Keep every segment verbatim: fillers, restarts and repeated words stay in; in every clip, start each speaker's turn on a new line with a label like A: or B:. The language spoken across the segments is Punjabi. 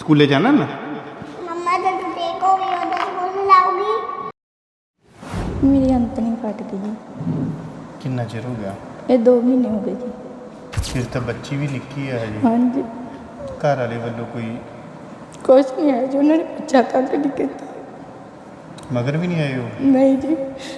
A: ਸਕੂਲੇ ਜਾਣਾ ਨਾ?
B: मम्मा जब टेक हो गई उधर स्कूल में लाओगी?
C: मेरी अंत नहीं फट गई जी।
A: ਕਿੰਨਾ ਚਿਰ ਹੋ ਗਿਆ?
C: ये दो महीने हो गए जी।
A: ਫਿਰ ਤਾਂ ਬੱਚੀ ਵੀ ਨਿੱਕੀ ਹੈ ਹਜੇ।
C: हाँ जी,
A: ਘਰ ਵਾਲੇ ਵੱਲੋਂ ਕੋਈ
C: कुछ नहीं है जी, उन्होंने बच्चा तक नहीं किया।
A: ਮਗਰ ਵੀ ਨਹੀਂ ਆਏ ਉਹ?
C: नहीं जी,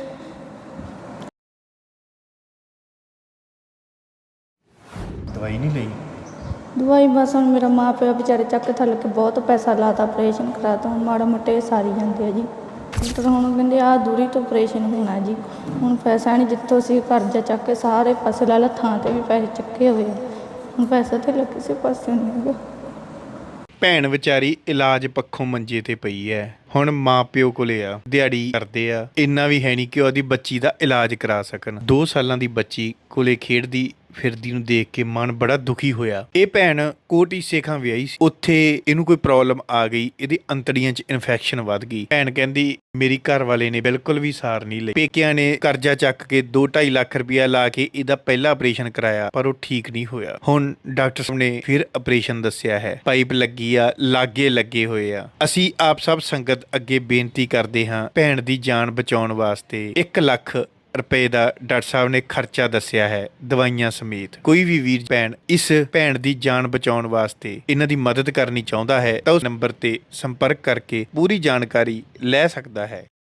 A: ਦਵਾਈ ਨਹੀਂ ਲਈ?
C: दवाई बस हम मेरा माँ प्यो बेचारे चक थल के बहुत पैसा लाता, ऑपरेशन कराता, ਹੁਣ ਮਾੜਾ ਮੋਟੇ ਸਾਰੀ ਜਾਂਦੇ ਆ ਜੀ। ਡਾਕਟਰ ਹੁਣ ਕਹਿੰਦੇ ਆਹ ਦੂਰੀ ਤੋਂ ਆਪਰੇਸ਼ਨ ਹੋਣਾ ਜੀ। ਹੁਣ ਪੈਸਾ ਨਹੀਂ, ਜਿੱਥੋਂ ਅਸੀਂ ਕਰਜ਼ਾ ਚੱਕ ਕੇ ਸਾਰੇ ਪਾਸੇ ਲਾ ਲਾ, ਥਾਂ ਤੇ ਵੀ ਪੈਸੇ ਚੱਕੇ ਹੋਏ ਆ। ਹੁਣ ਪੈਸਾ ਤੇ ਕਿਸੇ ਪਾਸੇ ਨਹੀਂ ਹੈਗਾ।
A: ਭੈਣ ਵਿਚਾਰੀ ਇਲਾਜ ਪੱਖੋਂ ਮੰਜੇ ਤੇ ਪਈ ਐ। ਹੁਣ ਮਾਂ ਪਿਓ ਕੋਲੇ ਆ, ਦਿਹਾੜੀ ਕਰਦੇ ਆ, ਇੰਨਾ ਵੀ ਹੈ ਨਹੀਂ ਕਿ ਉਹਦੀ ਬੱਚੀ ਦਾ ਇਲਾਜ ਕਰਾ ਸਕਣ। ਦੋ ਸਾਲਾਂ ਦੀ ਬੱਚੀ ਕੋਲੇ ਖੇਡਦੀ ਫਿਰਦੀ ਨੂੰ ਦੇਖ ਕੇ ਮਨ ਬੜਾ ਦੁਖੀ ਹੋਇਆ। ਇਹ ਭੈਣ ਕੋਟੀ ਸੇਖਾਂ ਵਿਆਹੀ ਸੀ, ਉੱਥੇ ਇਹਨੂੰ ਕੋਈ ਪ੍ਰੋਬਲਮ ਆ ਗਈ, ਇਹਦੀ ਅੰਤੜੀਆਂ 'ਚ ਇਨਫੈਕਸ਼ਨ ਵੱਧ ਗਈ। ਭੈਣ ਕਹਿੰਦੀ ਮੇਰੀ ਘਰ ਵਾਲੇ ਨੇ ਬਿਲਕੁਲ ਵੀ ਸਾਰ ਨਹੀਂ ਲਈ। ਪੇਕਿਆਂ ਨੇ ਕਰਜ਼ਾ ਚੱਕ ਕੇ ਦੋ ਢਾਈ ਲੱਖ ਰੁਪਇਆ ਲਾ ਕੇ ਇਹਦਾ ਪਹਿਲਾ ਆਪਰੇਸ਼ਨ ਕਰਾਇਆ, ਪਰ ਉਹ ਠੀਕ ਨਹੀਂ ਹੋਇਆ। ਹੁਣ ਡਾਕਟਰ ਸਾਹਿਬ ਨੇ ਫਿਰ ਆਪਰੇਸ਼ਨ ਦੱਸਿਆ ਹੈ, ਪਾਈਪ ਲੱਗੀ ਆ, ਲਾਗੇ ਲੱਗੇ ਹੋਏ ਆ। ਅਸੀਂ ਆਪ ਸਭ ਸੰਗਤ ਅੱਗੇ ਬੇਨਤੀ ਕਰਦੇ ਹਾਂ, ਭੈਣ ਦੀ ਜਾਨ ਬਚਾਉਣ ਵਾਸਤੇ ਇੱਕ ਲੱਖ ਰੁਪਏ ਦਾ ਡਾਕਟਰ ਸਾਹਿਬ ਨੇ ਖਰਚਾ ਦੱਸਿਆ ਹੈ, ਦਵਾਈਆਂ ਸਮੇਤ। ਕੋਈ ਵੀ ਵੀਰ ਭੈਣ ਇਸ ਭੈਣ ਦੀ ਜਾਨ ਬਚਾਉਣ ਵਾਸਤੇ ਇਹਨਾਂ ਦੀ ਮਦਦ ਕਰਨੀ ਚਾਹੁੰਦਾ ਹੈ ਤਾਂ ਉਸ ਨੰਬਰ ਤੇ ਸੰਪਰਕ ਕਰਕੇ ਪੂਰੀ ਜਾਣਕਾਰੀ ਲੈ ਸਕਦਾ ਹੈ।